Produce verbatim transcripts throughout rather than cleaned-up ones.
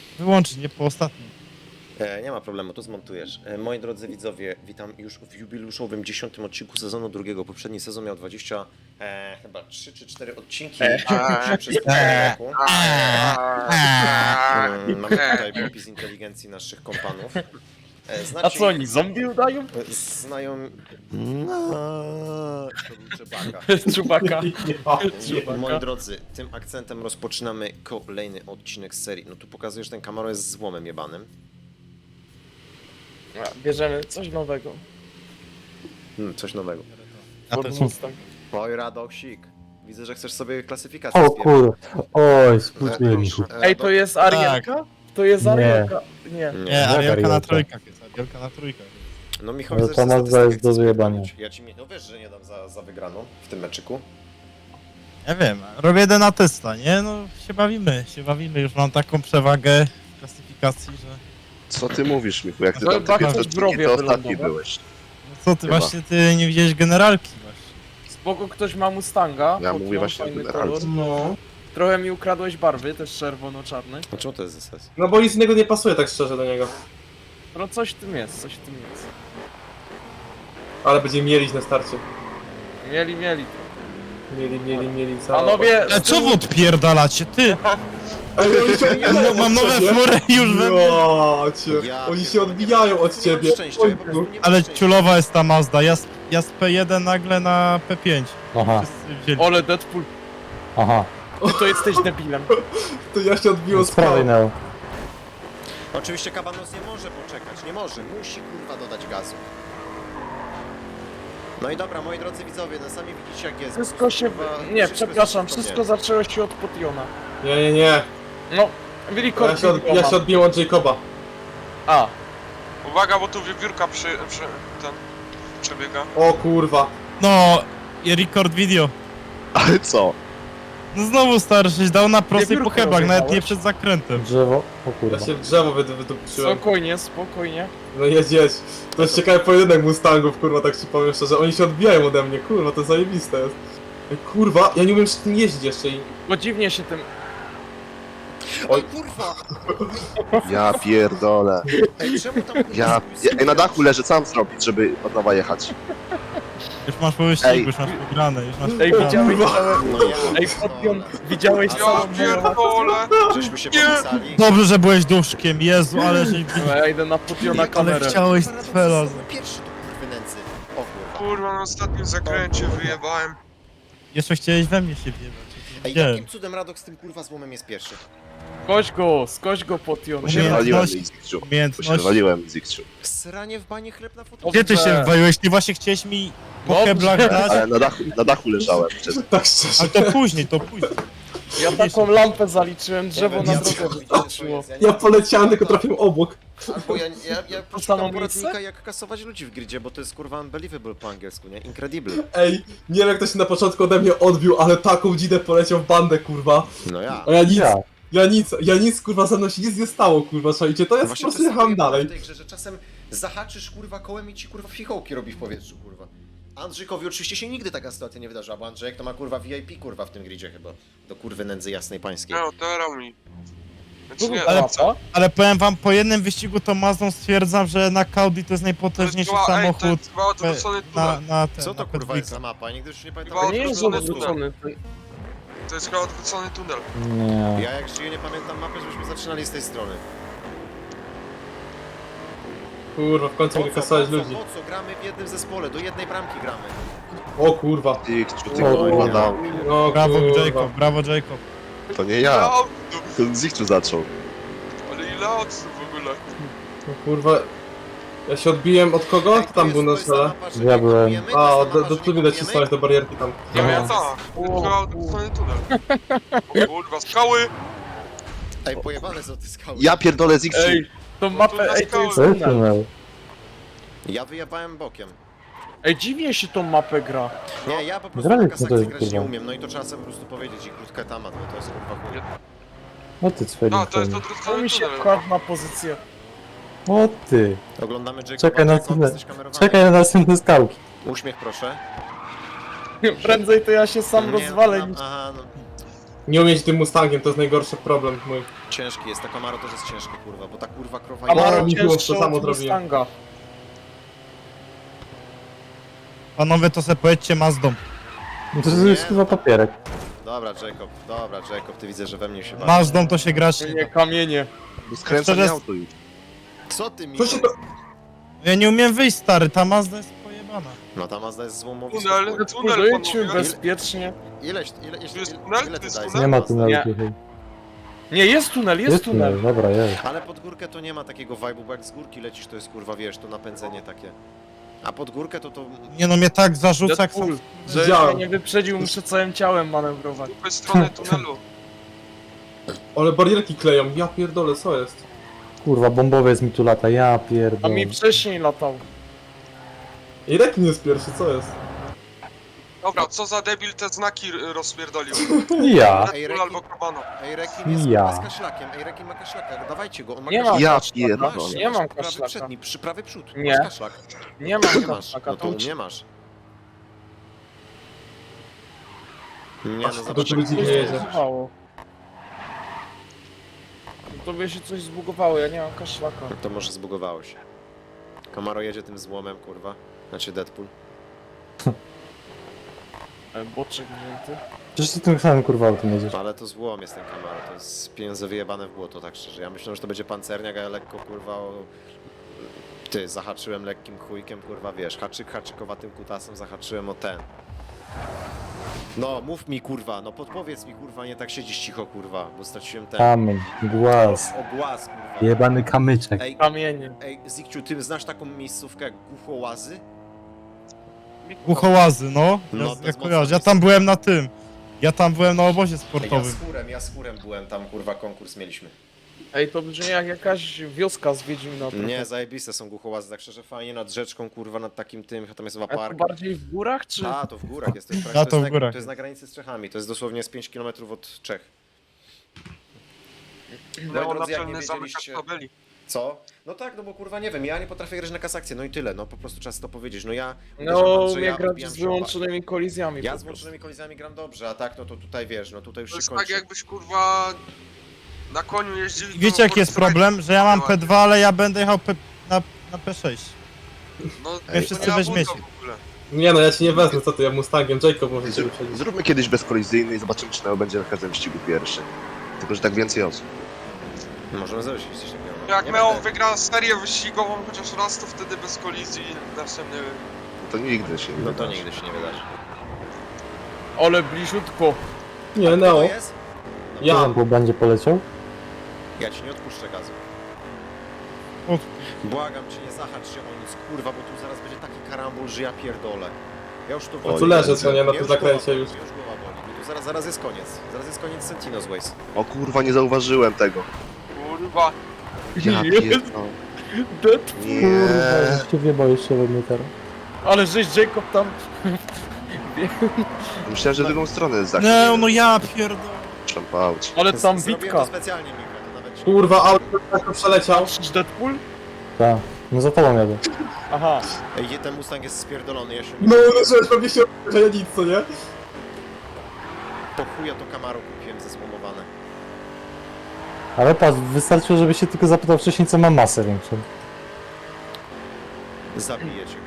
wyłączyć, nie po ostatnim. E, nie ma problemu, to zmontujesz. E, moi drodzy widzowie, witam już w jubileuszowym dziesiątym odcinku sezonu drugiego. Poprzedni sezon miał dwadzieścia, e, chyba trzy czy cztery odcinki e. przez pół roku. Mm, mamy tutaj popis inteligencji naszych kompanów. E, znacie A co oni, ich? zombie udają? Znają... No, to był Czebaka. Czubaka. Nie, moi drodzy, tym akcentem rozpoczynamy kolejny odcinek z serii. No tu pokazujesz, że ten Camaro jest złomem jebanym. Bierzemy coś nowego. Hmm, coś nowego. A to Ford są... Mustang. Oj, Radoksik. Widzę, że chcesz sobie klasyfikację O zbierać. kur... Oj, współczuję Michu. E, Ej, to jest Arielka? To jest Nie. Arielka. Nie. Nie. Nie, Arielka na Arielka. trójkach jest, Arielka na trójkach. No Michał, No widzę, to że Mazda statystykę jest do chcesz wyjebania. poprawić. Ja ci no wiesz, że nie dam za, za wygraną w tym meczyku. Ja wiem, robię jeden na testa, nie? No się bawimy, się bawimy. Już mam taką przewagę w klasyfikacji, że... Co ty mówisz, Michu? Jak ty No tam chyba te chcesz pierwsze zdrowie odcinki, to ostatni wylądować. byłeś. No co ty, Chyba. właśnie ty nie widziałeś generalki właśnie. Spoko, ktoś ma Mustanga. Ja pod mówię nią, właśnie o fajny generalce. kolor. No. Trochę mi ukradłeś barwy, też czerwono-czarny. A czemu to jest S S? No bo nic innego nie pasuje tak szczerze do niego. No coś w tym jest, coś w tym jest. Ale będzie mielić na starcie. Mieli, mieli. Mieli, mieli, mieli całe. Panowie, Ale co wy odpierdalacie, ty? Ej, oni się odbijają No, mam od nowe ciebie. fury już we mnie. Ja cię. Ja Oni się pierdolę. odbijają od Nie ciebie. mam szczęścia, ja po prostu nie mam Ale szczęścia. ciulowa jest ta Mazda, ja z, ja z P jeden nagle na P pięć. Aha, Wszyscy wzięli. ole Deadpool, aha. ty to jesteś debilem. To ja się odbiłem Z z prawej prawej. Neo. Oczywiście Kabanos nie może poczekać, nie może, musi kurwa dodać gazu. No i dobra, moi drodzy widzowie, no sami widzicie jak jest. Wszystko się... Kurwa, Nie, wszystko przepraszam, jest wszystko zaczęło się od Potiona. Nie, nie, nie. No, Ja Willikord się, od, ja się odbiłem od Jacoba. A, Uwaga, bo tu wiewiórka przy, przy ten przebiega. O kurwa. No, i record video. Ale co? No znowu stary, żeś dał na prostej po Wiewiórkę hebach, nawet nie rozjechałeś? przed zakrętem. Drzewo. O Ja kurwa. się w drzewo wyd- wydupczyłem. spokojnie, spokojnie. No jedź, jedź. To jest ciekawy pojedynek Mustangów, kurwa, tak ci powiem szczerze. Oni się odbijają ode mnie, kurwa, to zajebiste jest. Ej, kurwa, ja nie umiem z tym jeździć jeszcze i... Bo dziwnie się tym... Oj kurwa! Ja pierdolę. Ej, czemu tam kurwa Ja... swój ja ej, na dachu leży, co mam zrobić, żeby od nowa jechać? Już masz po wyścigu, Ej. już masz wygrane, już masz Ej, wygrane. widziałeś Kurwa. całe... No ja Ej, Potion, widziałeś Ja całą Ja pierdolę! żeśmy się Nie. popisali. Dobrze, że byłeś duszkiem, Jezu, ale żeś... No, ja idę na Potiona Ale kamerę. chciałeś Kurwa, cfela. Radosław, Pierwszy tu kurwy nędzy. O kurwa. Kurwa, na ostatnim zakręcie wyjebałem. Jeszcze chciałeś we mnie się wjebać. Ej, Nie. jakim cudem Radok z tym kurwa złomem jest pierwszy? Skoś go, skoś go Potion. Bo się Umiejętności- wywaliłem z X-Ciu. Bo się Umiejętności. wywaliłem z X-Ciu. Sranie w banie chleb na fotel. Gdzie ty się Dobrze. wywaliłeś? Ty właśnie chciałeś mi po Dobrze. heblach dać? Ale na dachu, na dachu leżałem przed... Tak szczerze. Ale to później, to później. Ja taką lampę zaliczyłem, drzewo Ja na wiem, drogę ja wiem, co to wyskoczyło. jest, Ja poleciałem, tylko trafiłem obok. Albo ja, ja, ja samą poszukam miejsce? poradnika jak kasować ludzi w gridzie, bo to jest kurwa unbelievable po angielsku, nie? Incredible. Ej, nie wiem jak to się na początku ode mnie odbił, ale taką dzidę poleciał w bandę, kurwa. No ja. A ja nic, Ja. ja nic, ja nic, kurwa, ze mną się nic nie stało, kurwa, słuchajcie, to No jest po właśnie prostu to jest jechałem pojebane dalej. w tej grze, że czasem zahaczysz kurwa kołem i ci kurwa fichołki robi w powietrzu, kurwa. Andrzejkowi oczywiście się nigdy taka sytuacja nie wydarzyła, bo Andrzejek to ma kurwa V I P kurwa w tym gridzie chyba. Do kurwy nędzy jasnej pańskiej. No, teraz mi. Znaczy nie, Ale- co? Ale powiem wam, po jednym wyścigu to Mazdą stwierdzam, że na Audi to jest To jest najpotężniejszy chyba, ej, to samochód jest chyba odwrócony na, tunel. na ten, Co to na kurwa jest za P dwa. mapa? Ja nigdy już nie pamiętam. Chyba To nie jest odwrócony odwrócony. To jest chyba odwrócony tunel. Nie. Ja jak żyję nie pamiętam mapy, żebyśmy zaczynali z tej strony. Kurwa, w końcu Po mogę co, kasować po co, ludzi. po co? Gramy w jednym zespole, do jednej bramki gramy. O kurwa. X-Ciu, ty O, kurwa nie. dał. No Brawo kurwa. Jacob, brawo Jacob. To nie Ile ja. aut? To z X-Ciu zaczął. Ale ile aut w ogóle? No kurwa. Ja się odbiłem od kogo? Ej, Kto tam to był na jest- to jest ta czele? mapa, że Ja nie byłem. kopujemy, to A, jest ta do, mapa, do że tu nie widać kopujemy? cisnąć do barierki tam. Ja No. miałem tak. To jest chyba odwrócony tunel. O kurwa, skały! Ej, pojebane są te skały. Ja pierdolę z X-Ciu. Ej, tą mapę, ej, to jest Co jest tunel. tunel? Ja wyjebałem bokiem. Ej, dziwnie się tą mapę gra. Nie, ja po prostu Gramy, na co to kasakcji jest, grać nie kurwa? umiem, no i to trzeba sobie po prostu powiedzieć i krótka temat, bo to jest kurwa chuj. O ty cweli. No, to jest To odwrócony mi się tunel. wkładł na pozycję. O ty. Oglądamy Jacoba, Czekaj na Jacob, tunel. jesteś kamerowany. Czekaj na następne skałki. Uśmiech proszę. Prędzej to ja się sam Nie, rozwalę no, niż... aha, no. Nie umiem tym Mustangiem, to jest najgorszy problem mój. Ciężki jest, ta Camaro też jest ciężka, kurwa, bo ta kurwa krowa... Camaro Camaro mi było, cięższy to samo od zrobiłem. Mustanga. Panowie, to se pojedźcie Mazdą. No to jest chyba papierek. Dobra, Jacob, dobra, Jacob, ty widzę, że we mnie się bawisz. Mazdą to się grać nie Nie da. kamienie. Bo skręca Szczerze- mi auto już. Co ty mi... Co się to... Ja nie umiem wyjść, stary, ta Mazda jest pojebana. No ta Mazda jest złomowiską. Tunel, tunel, Budujcie panowie. bezpiecznie. Ileś, ile, ile, Tu jest ile, tunel? ile Tu ty jest dajesz? tunel? Nie ma Mazda? tunelu Nie. dzisiaj. Nie, jest tunel, jest, Jest tunel. tunel, dobra, jest. Ale pod górkę to nie ma takiego vibe'u, bo jak z górki lecisz, to jest kurwa, wiesz, to napędzenie takie. A pod górkę to to... Nie no, mnie tak zarzuca, jak Deadpool, sam... że Widziałem. mnie nie wyprzedził, muszę całym ciałem manewrować. Po stronę tunelu. Ale barierki kleją, ja pierdolę, co jest? Kurwa, bombowiec mi tu lata, ja A pierdolę. mi wcześniej latał. I rekin jest pierwszy, co jest? Dobra, co za debil te znaki r- rozpierdolił. Ja. Ej, Deadpool Rekin- albo Kabano. Ej, Rekin jest Ja. kurwa z kaszlakiem, ej, Rekin ma kaszlaka, dawajcie go, on ma Nie kaszlak. mam Ja kaszlaka. pierdolę. Nie mam prawy kaszlaka. przedni, przy prawy przód, Nie. masz kaszlak. Nie mam Nie masz, kaszlaka, no to to u mnie masz. Nie, no Aż to zobacz, tu jak ludzi coś nie jedzie. zbugowało. Tobie się coś zbugowało, ja nie mam kaszlaka. to może zbugowało się. Camaro jedzie tym złomem, kurwa. Znaczy Deadpool. E, Boczek wzięty. Przecież ty tym samym kurwa autem jedziesz. Ale to złom jest ten Camaro, to jest pieniądze wyjebane w błoto, tak szczerze. Ja myślę, że to będzie pancerniak, a ja lekko, kurwa, o... Ty, zahaczyłem lekkim chujkiem, kurwa, wiesz, haczyk haczykowatym kutasem zahaczyłem o ten. No, mów mi, kurwa, no podpowiedz mi, kurwa, nie tak siedzisz cicho, kurwa, bo straciłem ten... Kamień, głaz, O głaz, kurwa. jebany kamyczek. Ej, Kamienie. ej, Zikciu, ty znasz taką miejscówkę jak Głuchołazy? Głuchołazy, no. No, Ja, to jest ja mocno kojarzę. Ja miejsce. tam byłem na tym. Ja tam byłem na obozie Ej, ja sportowym. z chórem, ja z chórem byłem tam, kurwa, konkurs mieliśmy. Ej, to brzmi jak jakaś wioska z Wiedźmina. Nie, zajebiste są Głuchołazy, tak szczerze, fajnie nad rzeczką, kurwa, nad takim tym, tam jest chyba A to park. bardziej w górach, czy... A, to w górach jest, to jest, A, to to jest, w na, górach to jest na granicy z Czechami, to jest dosłownie z pięć kilometrów od Czech. Moi Leo drodzy, jak nie naczelny zamek wiedzieliście... tabeli. Co? No tak, no bo kurwa nie wiem, ja nie potrafię grać na kasakcję, no i tyle, no po prostu trzeba to powiedzieć, no ja... No, uważam, że mnie ja grać odbijam z się oba. wyłączonymi kolizjami. Ja po z prostu. włączonymi kolizjami gram dobrze, a tak, no to tutaj wiesz, no tutaj już To się jest tak kończy. jakbyś kurwa na koniu jeździli. I wiecie jaki jest problem? Że ja mam P dwa, ale ja będę jechał P, na, na P sześć. No, Wy to wszyscy nie ma weźmiecie. buta w ogóle. Nie no, ja ci nie wezmę, co ty, ja Mustangiem, Jacob może cię Zrób, wyprzedzić. zróbmy kiedyś bezkolizyjny i zobaczymy, czy Neo będzie na każdym wyścigu pierwszy. Tylko, że tak więcej osób. Możemy zrobić coś takiego. no. Jak Nie Meo będę- wygra serię wyścigową chociaż raz, to wtedy bez kolizji następny... To nigdy się nie No to wydarzy. nigdy się nie wydarzy. Ale bliziutko. Nie, To Neo. jest? Ja. Bo będzie poleciał? Ja ci nie odpuszczę gazu. O, Błagam cię, nie zahacz się o nic, kurwa, bo tu zaraz będzie taki karambol, że ja pierdolę. Ja już tu... O, Tu leżę, co nie, na Mnie tym już zakręcie głowa już. boli, Już głowa boli. No tu zaraz, zaraz jest koniec. Zaraz jest koniec Sentinos Ways. O kurwa, nie zauważyłem tego. Kurwa. Ja Jest. pierdolę. Dead. Nie. Kurwa, że cię wjebał jeszcze we mnie teraz. Ale żeś Jacob tam... Myślałem, że drugą stronę za nie, no ja pierdolę. Szlampauć. Ale tam Zrobiłem bitka. to specjalnie, Michał, to nawet się... Kurwa, auto tak przeleciał. Patrzysz Deadpool? Tak, no za tobą jadę. Aha. Ej, ten Mustang jest spierdolony, ja się nie... No, uderzyłeś pewnie się, że ja nic, co nie? Po chuja to Camaro kupiłem zesłomowane. Ale patrz, wystarczyło, żeby się tylko zapytał wcześniej, co ma masę większą. Zabiję cię.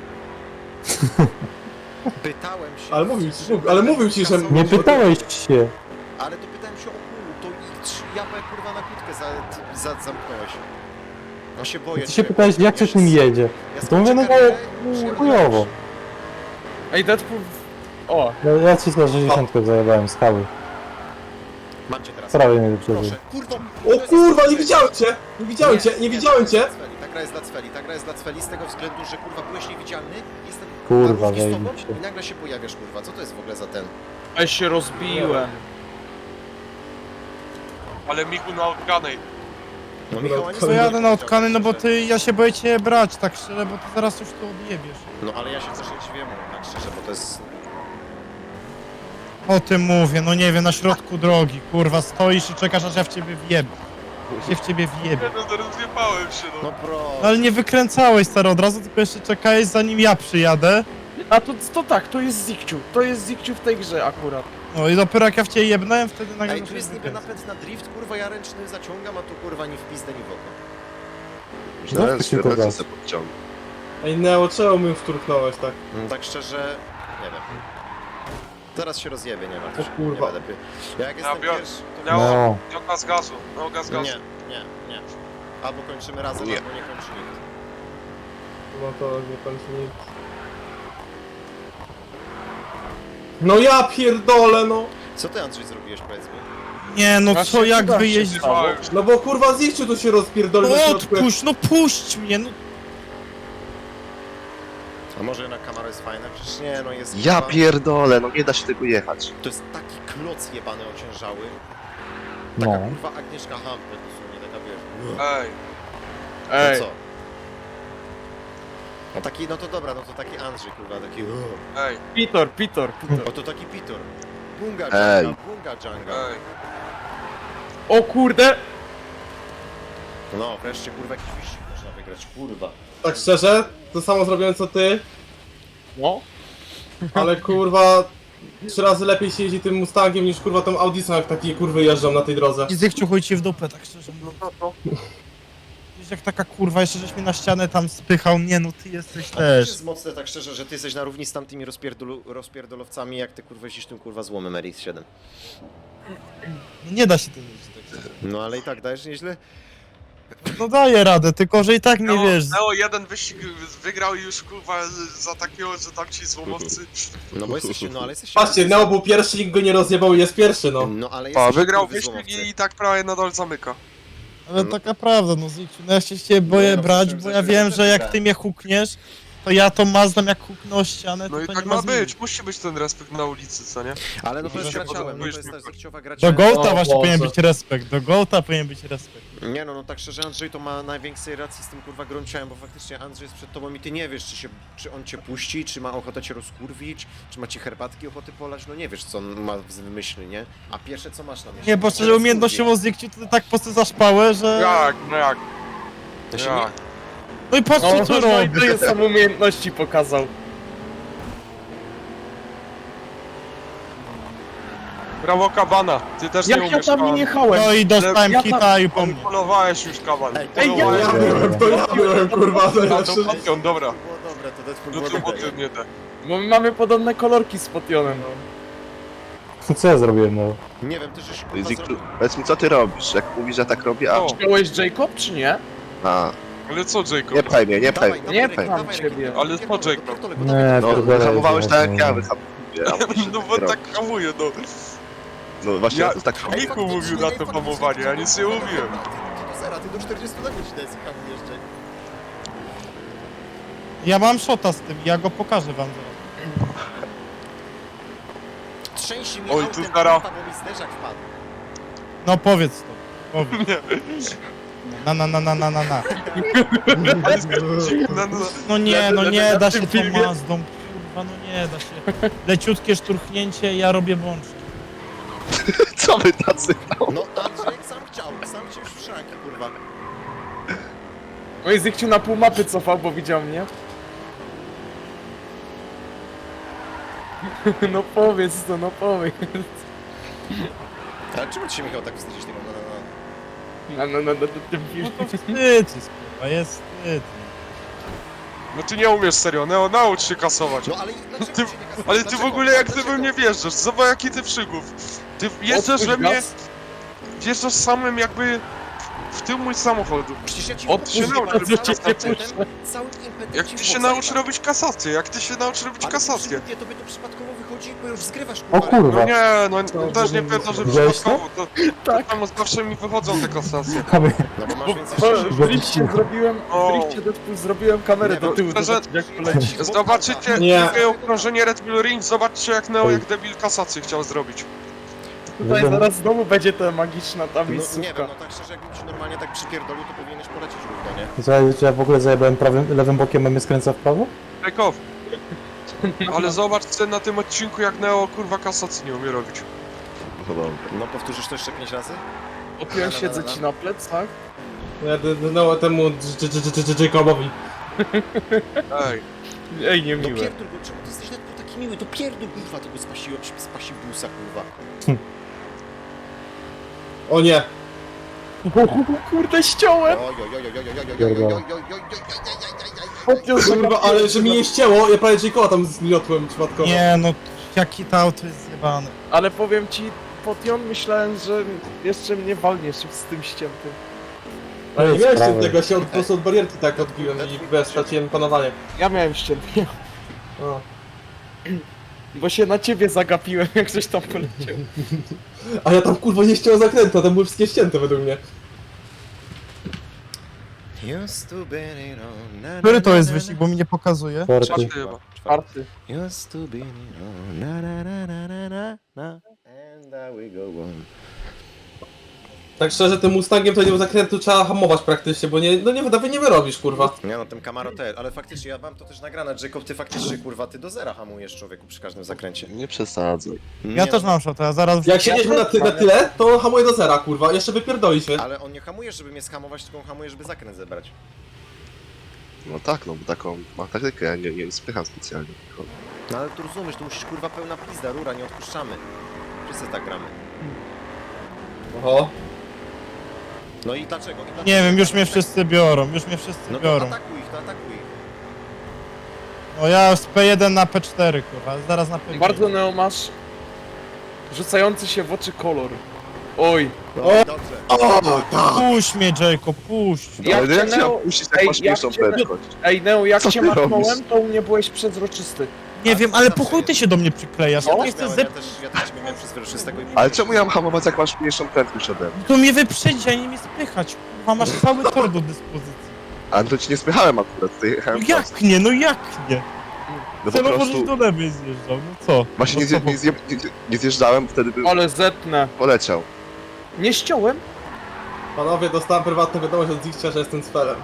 Pytałem się... Ale mówił ci, czy ale mówił ci, że- Nie pytałeś się. Ale to pytałem się o kół, to idź, japę kurwa na kłódkę za, za, zamknąłeś. No się boję. Ty się cię, pytałeś, jak coś nim jedzie. Ja To mówię, no bo skończę no, karierę, chujowo. Ej, Deadpool... O, No, ja ci za sześćdziesiąt zajebałem z hały. Mam cię teraz. Prawie mnie wyprzedził. Proszę, kurwa. O kurwa, nie widziałem cię! Nie widziałem cię, nie widziałem cię! Ta gra jest dla Cweli, ta gra jest dla Cweli z tego względu, że kurwa byłeś niewidzialny, jestem Kurwa, na równi z tobą zajebiście. i nagle się pojawiasz, kurwa. Co to jest w ogóle za ten? ja się rozbiłem. Ale Miku na odganej. No Michał, a nie To jadę na powiedział, otkany, no bo że- ty, ja się boję cię brać, tak szczerze, bo ty zaraz już to odjebiesz. No ale ja się też nie dziwię mu, tak szczerze, bo to jest... O tym mówię, no nie wiem, na środku drogi, kurwa, stoisz i czekasz, aż ja w ciebie wjebę. Się w ciebie wjebę. No zaraz zjebałem się, no. No pro... No ale nie wykręcałeś, stary, od razu, tylko jeszcze czekałeś, zanim ja przyjadę. A to, to tak, to jest Zikciu. To jest Zikciu w tej grze akurat. No i dopiero jak ja w ciebie jebnąłem, wtedy nagle... Ej, tu jest niby napęd na drift, kurwa, ja ręczny zaciągam, a tu kurwa ni w pizdę, ni w oko. No, Że tylko ręce gaz. sobie podciągnę. Ej, Neo, czemu mi wturknąłeś tak? Mm, Tak szczerze, nie wiem. Zaraz się rozjebie, nie martw się. O kurwa. Nie będę pi- Ja jak jestem biorę. pierwszy, to... Neo, No, Neo gaz gazu, Neo gaz gazu. Nie, nie, nie. Albo kończymy razem, Nie. albo nie kończy nikt. No to nie kończy nic. No ja pierdolę, no! Co ty, Andrzej, zrobiłeś, powiedz mi? Nie, no Właśnie co, jak chyba się wyjeździć? stało. No bo kurwa Zikciu tu się rozpierdolił na No środku. odpuść, no puść mnie, no. A może jednak kamera jest fajna? Przecież nie, no jest... Ja kurwa- pierdolę, no nie da się tego jechać. To jest taki kloc jebany ociężały. Taka no. kurwa Agnieszka Hampel dosłownie, taka wiesz... Ej, No Ej, co? No taki, no to dobra, no to taki Andrzej, kurwa, taki... ej, Pitor, Pitor, Pitor. O, to taki Pitor. Bunga Ej. Dżanga, bunga Dżanga. ej. O kurde! No, wreszcie, kurwa, jakiś wyścig można wygrać, kurwa. Tak szczerze, to samo zrobiłem co ty, No. ale kurwa... Trzy razy lepiej się jeździ tym Mustangiem niż kurwa tą Audisą, jak takie kurwy jeżdżą na tej drodze. I zechciu chuj ci w dupę, tak szczerze mówiąc. Wiesz, jak taka kurwa, jeszcze żeś mnie na ścianę tam spychał, nie no, ty jesteś A to też. jest mocne, tak szczerze, że ty jesteś na równi z tamtymi rozpierdolu, rozpierdolowcami, jak ty kurwa jeździsz tym kurwa złomem R X siedem. No nie da się tego zrobić, tak szczerze. No ale i tak dajesz nieźle. No daję radę, tylko że i tak nie Neo, wiesz. Neo jeden wyścig wygrał i już kurwa za takiego, że tam ci złomowcy... No bo jesteście, no ale jesteście... Patrzcie, Neo był pierwszy, nikt go nie rozjebał i jest pierwszy, no. No ale A, jesteście wygrał kurwy wyścig złomowcy. i tak prawie nadal zamyka. Ale taka prawda, no Zikciu, no ja się ciebie boję Nie, no, brać, przecież bo za ja chwilę wiem, też że jak wygrałem. ty mnie hukniesz, to ja to mazdam jak huknę o ścianę, to No i to tak nie ma ma zmiany. być, musi być ten respekt na ulicy, co nie? Ale no to jest Że się graciałem, no to podoba. jest też zechciowa Do graciałem. Gołta O właśnie Boże. powinien być respekt, do Gołta powinien być respekt. Nie no, no tak szczerze Andrzej to ma największej racji z tym kurwa grąciałem, bo faktycznie Andrzej jest przed tobą i ty nie wiesz, czy, się, czy on cię puści, czy ma ochotę cię rozkurwić, czy ma ci herbatki ochoty polać, no nie wiesz co on ma w myśli, nie? A pierwsze co masz na myśli? Nie, bo Że szczerze umiejętnościowo Zikciu to ty tak po prostu zaszpałę, że... Jak, no jak, To się nie... jak? No i patrz co No, tu no i robi. to jest sam umiejętności pokazał. Brawo Kabana, ty też nie Jak ja umiesz tam nie Kaban. jechałem? No i dostałem Ja tam- kita i po mnie. Polowałeś już Kaban. Ej, Ej, ja- Ja Polowałeś. byłem, to ja byłem, kurwa, to A ja to szczerze... Potion, dobra. To było dobre, to Deadpool No było to dobre. Potion nie te. Bo my mamy podobne kolorki z Potionem. Co ja zrobiłem, no? Nie wiem, ty żeś kurwa Zikciu, zrobił... powiedz mi co ty robisz, jak mówisz, że tak robię, a... O. Wziąłeś Jacob, czy nie? a Ale co Jacob? nie pchaj mnie, nie pchaj Dawaj, mnie, dawaj, Nie Rekin, pcham dawaj, ciebie. Rekin, Ale pierdolę, co Jacob? pierdolę, bo Nie, dawaj, No, pierdolę, wyhamowałeś tak jak nie. ja wyhamuję, a mówisz, że No tak bo robisz. tak hamuje, no. No właśnie, Ja- ja to tak robię. Miku mówił na to hamowanie, ja nic nie mówiłem. Ty do zera, ty do czterdziestu na godzinę hamujesz, Jack. Ja mam shota z tym, ja go pokażę wam zaraz. Trzęsi mi Oj, autem, tu zara. kurwa, bo mi zderzak wpadł. No powiedz to, powiedz. Na na na na na na na. No, no, No nie, no Na- nie na da tym się tą filmie- Mazdą, kurwa, no nie da się. Leciutkie szturchnięcie, ja robię bączki. Co wy tacy? No Andrzej sam chciał, sam cię już w szranki, kurwa. No i Zikciu na pół mapy cofał, bo widział mnie. No powiedz to, no powiedz. Ale czemu ci się, Michał, tak wstydzisz tego? No, no, no. No, no, no, no, tym No filmie. to wstyd jest, kurwa, jest wstyd. no ty nie umiesz serio, Neo, naucz się kasować. No ale dlaczego Ty- cię nie kasujesz? Ale ty w Dlaczego? ogóle jak ty Dlaczego? we mnie wjeżdżasz, zobacz jaki ty przygód. Ty wjeżdżasz we Odpuść mnie, gaz. wjeżdżasz samym jakby w tył mój samochodu. Przecież ja ci Od się mówię, naucz całym robić impetem, kasację. całym impetem Jak ci ty w się bok nauczysz zajebałem. robić kasację, jak ty się nauczysz robić Ale kasację. absolutnie, tobie to przypadkowo wychodzi, bo już zgrywasz, O kurwa. kurwa. No nie, no no też nie pewno, że Widziałeś to? przypadkowo, to, Tak. to tam zawsze mi wychodzą te kasacje. A my- No bo masz Bo, więcej bo szczęścia. w drifcie zrobiłem, O. w drifcie Deadpool zrobiłem kamerę Nie, do bo tyłu, szczerze- zobacz jak poleci. Zobaczycie Nie. drugie okrążenie Red Bull Ring, zobaczcie jak Neo, jak debil kasację chciał zrobić. Tutaj Wiadomo. zaraz znowu będzie ta magiczna ta No, nie miejscówka. wiem, no tak szczerze, jakbym ci normalnie tak przypierdolił, to powinieneś polecieć równo, nie? Słuchaj, czy ja w ogóle zajebałem prawym, lewym bokiem, a mnie skręca w prawo? Takeoff. Ale zobaczcie na tym odcinku jak Neo kurwa kasacji nie umie robić. No dobra. No powtórzysz to jeszcze pięć razy? Opiłem siedzę ci na plecach. Ja d- d- no temu J- J- J- J- Jacobowi. Ej, Ej, No niemiłe. pierdol go, czemu ty jesteś tak taki miły? To pierdol kurwa tego spasiło, spasibusa kurwa. O nie. Kurde, ściąłem! Oj, oj, oj, oj, oj, oj, oj, oj, oj, oj, oj, oj, oj, oj, oj, oj, oj. Kurwa, ale że mi nie ścięło, ja prawie Jacoba tam zmiotłem przypadkowo. Nie no, jaki to auto jest zjebane. Ale powiem ci, Potion, myślałem, że jeszcze mnie walniesz z tym ściętym. Ale nie jest miałem sprawy. ściętego, ja się od, po prostu od barierki tak odbiłem i wiesz, straciłem panowanie. Ja miałem ścięty, O. bo się na ciebie zagapiłem, jak coś tam poleciał. A ja tam kurwa nie ściąłem zakrętu, a tam były wszystkie ścięte według mnie. Used to be, you know, na, na, Który to na, jest na, wyścig, bo mi nie pokazuje? Czwarty. Czwarty chyba. Czwarty. Used to be, you know, na, na, na, na, na, na, na. And there we go on. Tak szczerze, tym Mustangiem to nie zakrętu trzeba hamować praktycznie, bo nie, no nie, nawet nie wyrobisz kurwa. Nie no, tym Camaro też, ale faktycznie ja mam to też nagrane, Jacob, ty faktycznie kurwa, ty do zera hamujesz człowieku przy każdym zakręcie. Nie przesadzaj. Nie Ja no, też mam szotę, a zaraz... Jak siedzieliśmy na, ty, na tyle, to on hamuje do zera kurwa, jeszcze wypierdoli się. Ale on nie hamuje, żeby mnie skamować, tylko on hamuje, żeby zakręt zebrać. No tak, no bo taką ma taktykę, ja nie, nie spycham specjalnie. No ale tu rozumiesz, tu musisz kurwa pełna pizda, rura, nie odpuszczamy. Wszyscy tak gramy. Oho. No i dlaczego? I dlaczego? Nie wiem, już mnie wszyscy biorą, już mnie wszyscy No to biorą. atakuj ich, to atakuj ich. No ja z P jeden na P cztery, kurwa, zaraz na P pięć. Bardzo Neo masz rzucający się w oczy kolor. Oj, No O! i dobrze. O, tak! Puść mnie, Jacob, puść. Ja ale cię jak się Neo- mam puścić, jak Ej, masz jak mniejszą cię- prędkość? ej Neo, jak Co cię ty machnąłem, robisz? to u mnie byłeś przezroczysty. Nie wiem, ale po chuj ty się do mnie przyklejasz, ja Ja nie też chcę miałem, ja zepsuć. też, ja też ciebie miałem przezroczystego i... Ale czemu ja mam hamować, jak masz mniejszą prędkość ode mnie? To mnie wyprzedzi, a nie mnie spychać, kurwa, masz cały tor do dyspozycji. Ale to ci nie spychałem akurat, tutaj No jechałem jak prosto. nie, no jak nie? No po Celowo żeś prostu, do lewej zjeżdżał, no co? właśnie nie, No co zje, nie, zje, nie, nie zjeżdżałem, wtedy bym Ale zetnę. poleciał. Nie ściąłem? Panowie, dostałem prywatną wiadomość od Zikcia, że jestem cfelem.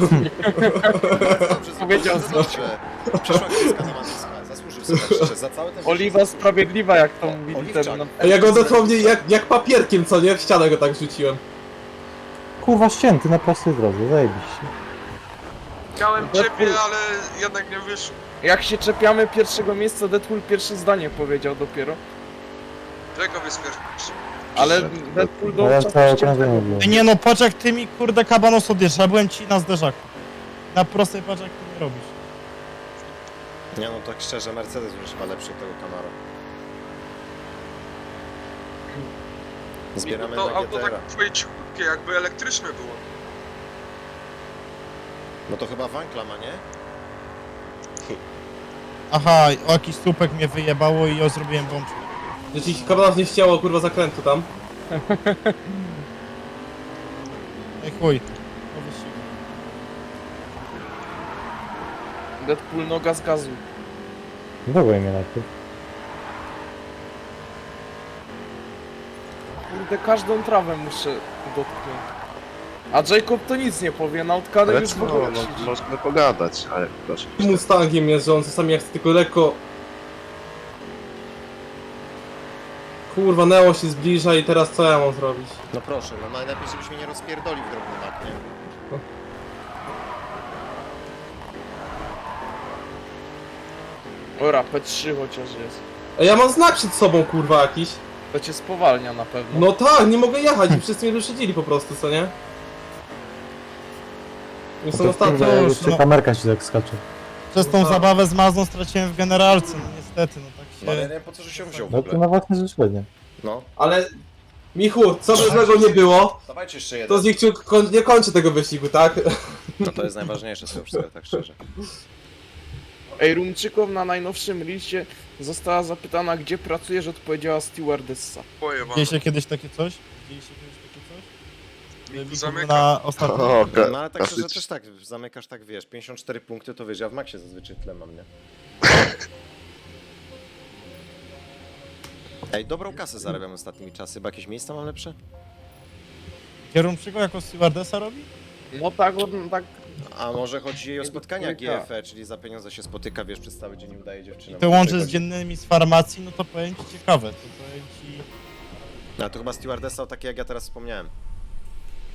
Dobrze, Powiedział dobrze, dobrze. Przeszła kreska na nazwiska, zasłużył sobie tak szczerze, za cały ten... Oliwa sprawiedliwa, jak to O, mówili Oliwczak. ten... No, A ja go dosłownie jak, jak papierkiem, co nie? W ścianę go tak rzuciłem. Kurwa ścięty na prostej drodze, zajebiście. Chciałem ciebie, ale jednak nie wyszło. jak się czepiamy pierwszego miejsca, Deadpool pierwsze zdanie powiedział dopiero. Jacob jest pierwszy. Ale Przyszedł. Deadpool No ja do całe okrążenie byłem. Ej, nie no, patrz jak ty mi, kurde, kabanos odjeżdżasz, ja byłem ci na zderzaku. Na prostej patrz jak ty mi robisz. Nie no, tak szczerze, Mercedes już chyba lepszy od tego Camaro. Zbieramy To na auto G T R. tak twoje cichutkie, jakby elektryczne było. No to chyba Wankla ma, nie? Aha, o jakiś słupek mnie wyjebało i ja zrobiłem bączkę. Że ci kabanos nie ścięło kurwa zakrętu tam. Ej chuj. Po wyścigu. Deadpool noga z gazu. Dawaj mnie najpierw. Kurde, każdą trawę muszę dotknąć. A Jacob to nic nie powie, na utkanę Ale już co, w ogóle no, siedzi. możemy pogadać, ale proszę. Mustangiem jest, że on czasami jak chce tylko lekko... Kurwa, Neo się zbliża i teraz co ja mam zrobić? No proszę, no najlepiej żebyś mnie nie rozpierdolił w drobny mak, nie? Ora, P trzy chociaż jest. A ja mam znak przed sobą kurwa jakiś. To cię spowalnia na pewno. No tak, nie mogę jechać i wszyscy mnie wyprzedzili po prostu, co nie? Jestem To ostatni. kurwa, już, jeszcze no. kamerka ci tak skacze. Przez tą No tak. zabawę z Mazdą straciłem w generalce, no niestety, no tak No ale ja nie się... wiem po co, że się wziął w No to ogóle. na własne życzenie. No, Ale... Michu, co by złego nie było, dawajcie jeszcze jeden. to z Zikciu koń, nie kończy tego wyścigu, tak? No to jest najważniejsze z tego wszystkiego, tak szczerze. Ej, Rumczykow na najnowszym liście została zapytana, gdzie pracujesz, odpowiedziała stewardessa. Pojebane. Widzieliście kiedyś takie coś? Widzieliście kiedyś takie coś? Miku Że zamyka. Na ostatnim... O, ka- No ale tak szczerze klasycz- też tak, zamykasz tak, wiesz, pięćdziesiąt cztery punkty to wiesz, ja w maksie zazwyczaj tyle mam, nie? Ej, dobrą kasę zarabiam ostatnimi czasy, bo jakieś miejsca mam lepsze? Kierunczyko jako stewardessa robi? No tak, on tak... A może chodzi jej o spotkania Trójka. G F E, czyli za pieniądze się spotyka, wiesz, przez cały dzień udaje dziewczynę. Te łączy z dziennymi z farmacji, no to powiem ci ciekawe, to powiem ci... No to chyba stewardessa o takiej jak ja teraz wspomniałem.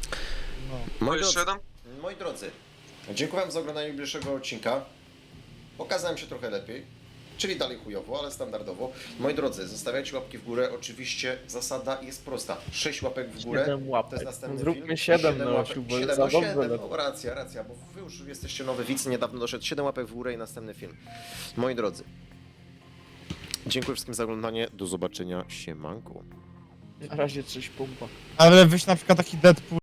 No. To Moi jeszcze drodzy, jeden? moi drodzy, dziękuję wam za oglądanie bliższego odcinka. Pokazałem się trochę lepiej, czyli dalej chujowo, ale standardowo. Moi drodzy, zostawiajcie łapki w górę. Oczywiście zasada jest prosta. sześć łapek w górę. Siedem łapek. To jest następny Zróbmy film. siedem, Siedem no, łapek- Osiu, bo siedem, za no dobrze siedem, lecą. no racja, racja, bo wy już jesteście nowy widz, niedawno doszedł. siedem łapek w górę i następny film. Moi drodzy, dziękuję wszystkim za oglądanie. Do zobaczenia. Siemanku. Na razie coś pompa. Ale wyjść na przykład taki Deadpool